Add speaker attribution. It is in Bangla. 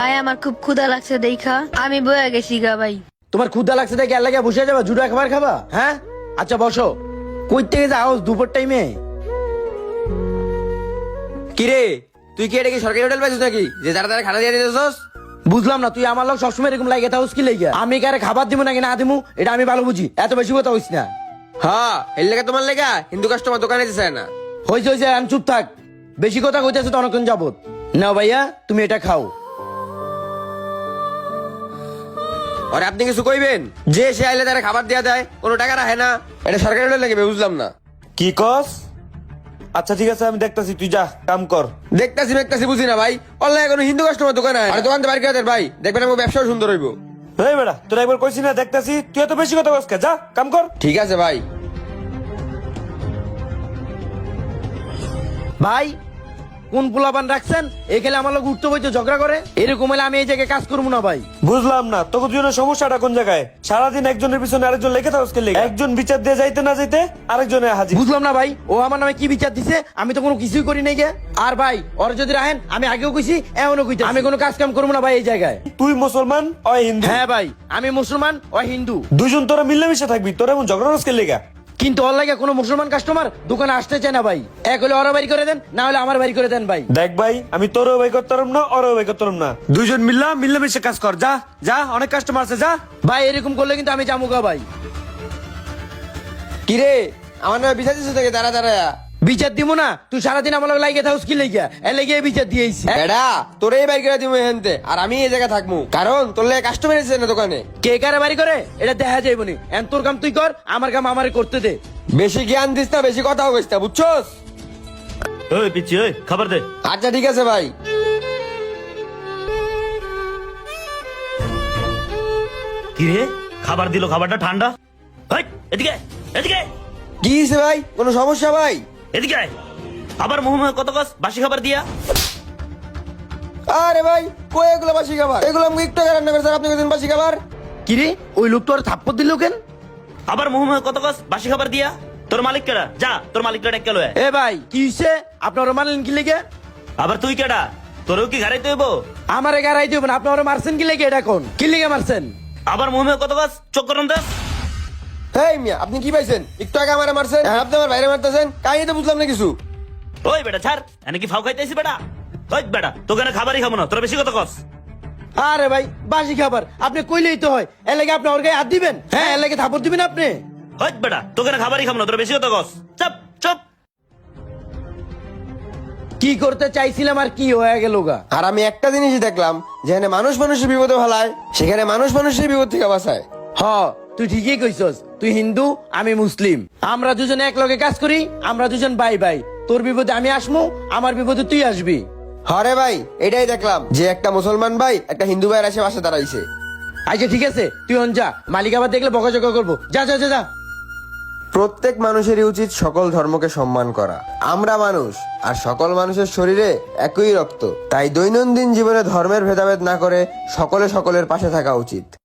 Speaker 1: ভাই আমার খুব ক্ষুধা লাগছে দেখা আমি বয়ে গেছি গা ভাই।
Speaker 2: তোমার ক্ষুধা লাগছে দেখে আর লাগে বসে যাবা জুড়ে খাবার খাবা? হ্যাঁ আচ্ছা বসো। কই থেকে যাও দুপুর টাইমে?
Speaker 3: কিরে তুই কি এটা কি সরকারি হোটেল পাইছিস নাকি যে যারা তারা খানা দিয়ে দিতেছস?
Speaker 2: বুঝলাম না, তুই আমার লোক সবসময় এরকম লাগে থাকুস কি লেগে? আমি কারে খাবার দিব নাকি না দিমু এটা আমি ভালো বুঝি, এত বেশি কথা হইস না।
Speaker 3: হ্যাঁ এর লেগে তোমার লেগা হিন্দু কাস্টমার দোকানে যেতে চায় না।
Speaker 2: হইছে হইছে আমি চুপ থাক, বেশি কথা কইতেছে তো অনেকক্ষণ যাবত। নাও ভাইয়া তুমি এটা খাও।
Speaker 3: আর আপনি কিছু কইবেন? যে সে আইলে তারা খাবার দেয়া দেয়, কোনো টাকা রাখে না, এটা সরকারি হোটেল নাকি বুঝলাম না।
Speaker 4: কি কস? আচ্ছা ঠিক আছে আমি দেখতাছি, তুই যা কাম কর।
Speaker 3: দেখতাছি বুঝি না ভাই, অনলাইনে কোনো হিন্দু কাস্টমার দোকানে আর দোকান তো বাইরে করে দেন ভাই, দেখবেন আমার ব্যবসাও সুন্দর হইব।
Speaker 4: এই বেটা তোর একবার কইছি না দেখতাছি, তুই এত বেশি কথা কস কে? যা কাম কর।
Speaker 3: ঠিক আছে ভাই।
Speaker 2: ভাই কোন পোলাপান রাখছেন এখানে আমার লোক উঠতে বইতে ঝগড়া করে? এরকম হলে আমি এই জায়গায় কাজ করবো না ভাই।
Speaker 4: বুঝলাম না তোকে দুজনের সমস্যাটা কোন জায়গায়? সারাদিন একজনের পিছনে আরেকজন লেগে থাকস কে? একজন বিচার দিয়ে যাইতে না যাইতে আরেকজনে হাজির।
Speaker 2: বুঝলাম না ভাই, ও আমার নামে কি বিচার দিছে? আমি তো কোনো কিছুই করি নাই গে। আর ভাই ওর যদি রাখেন আমি আগেও কইছি এমনও কইতে আমি কোনো কাজ কাম করবো না ভাই এই জায়গায়।
Speaker 4: তুই মুসলমান ওই হিন্দু।
Speaker 2: হ্যাঁ ভাই আমি মুসলমান ও হিন্দু,
Speaker 4: দুজন তোরা মিলেমিশে থাকবি, তোর এমন ঝগড়া রস কে লেগা?
Speaker 2: কিন্তু ওর লাগে কোনো মুসলমান কাস্টমার দোকানে আসতে চায় না ভাই। এক হলে ওরা বাড়ি করে দেন, না হলে আমার বাড়ি করে দেন ভাই।
Speaker 4: দেখ ভাই আমি তোরও ভাই করতাম না ওরও ভাই করতাম না, দুইজন মিলেমিশে কাজ কর। যা যা অনেক কাস্টমার আছে যা।
Speaker 2: ভাই এরকম করলে কিন্তু আমি জামুকা ভাই।
Speaker 3: কিরে আমার নামে বিচার দিচ্ছে থেকে দাঁড়া দাঁড়া।
Speaker 2: বিচার দিব না? তুই সারাদিন আমার লাগে লাগে থাকুস কি লেগে? এ লেগে বিচার দিয়েছি।
Speaker 3: বেড়া তোরে বাইর করে দিব এখানতে, আর আমি এই জায়গায় থাকবো কারণ তোর লেগে কাস্টমার এসেছে না দোকানে।
Speaker 2: কে কারে বাড়ি করে এটা দেখা যাইব নি। এন তোর কাম তুই কর, আমার কাম আমারে করতে দে।
Speaker 3: বেশি জ্ঞান দিস না, বেশি কথা বলিস না, বুঝছস?
Speaker 4: ওই পিচ্ছি ওই খাবার দে।
Speaker 3: আচ্ছা ঠিক আছে ভাই।
Speaker 5: কি রে খাবার দিল, খাবারটা ঠান্ডা। এই, এদিকে এদিকে
Speaker 3: কি হয়েছে ভাই, কোনো সমস্যা ভাই?
Speaker 5: এদিকে আয়। আবার মোহাম্মদ কত গাছ বাসি খাবার দিয়া।
Speaker 3: আরে ভাই কই এগুলো বাসি খাবার? এগুলো আমি একটু আগে রান্না করেছি, আপনি কইছেন বাসি খাবার?
Speaker 2: কিরে ওই লোক তোর থাপ্পড় দিল কেন?
Speaker 5: আবার মোহাম্মদ কত গাছ বাসি খাবার দিয়া। তোর মালিক কেডা? যা তোর মালিকটা ডেকে লয়।
Speaker 2: এ ভাই কি হইছে? আপনার মারলেন কি লেগে?
Speaker 5: আবার তুই কেডা? তোরও কি ঘাড়াইতে হইব?
Speaker 2: আমারে গারাই দিবেন, আপনারা মারছেন কি লেগে? এটা কোন কি লেগে মারছেন?
Speaker 5: আবার মোহাম্মদ কত গাছ চোখ করন দেশ।
Speaker 3: এই মিয়া আপনি কি পাইছেন? একটু আগে আমারে মারছেন, আর আপনি আমার বাইরে মারতেছেন, কাহিনী তো বুঝলাম না কিছু।
Speaker 5: ওই বেটা ছাড়, এনে কি ফাউ খাইতেছি বেটা? ওই বেটা তোকে না খাবারই খাবো না, তোর বেশি কথা কস।
Speaker 2: আরে ভাই বাসি খাবার আপনি কইলেই তো হয়, এর লাগে আপনি ওর গায়ে হাত দিবেন? হ্যাঁ এর লাগে থাপ্পড় দিবেন আপনি?
Speaker 5: ওই বেটা তোকে না খাবারই খাবো না, তোর বেশি কথা কস। চুপ চুপ।
Speaker 2: কি করতে চাইছিলাম আর কি হয়ে গেল গা?
Speaker 3: আর আমি একটা জিনিসই দেখলাম, যেখানে মানুষ মানুষের বিপদে ভালায় সেখানে মানুষ মানুষের বিপদ থেকে বাঁচায়।
Speaker 2: হ তুই ঠিকই কইছস, তুই হিন্দু আমি মুসলিম, আমরা দুজন এক লগে কাজ করি, আমরা দুজন ভাই ভাই। তোর বিপদে আমি আসমু, আমার বিপদে তুই আসবি।
Speaker 3: হরে ভাই এটাই দেখলাম যে একটা মুসলমান ভাই একটা হিন্দু ভাইয়ের এসে পাশে দাঁড়াইছে।
Speaker 2: আচ্ছা ঠিক আছে তুই অন যা, মালিক আবার দেখলে বকাঝকা করবো। যা যা যা যা।
Speaker 3: প্রত্যেক মানুষেরই উচিত সকল ধর্মকে সম্মান করা। আমরা মানুষ, আর সকল মানুষের শরীরে একই রক্ত, তাই দৈনন্দিন জীবনে ধর্মের ভেদাভেদ না করে সকলে সকলের পাশে থাকা উচিত।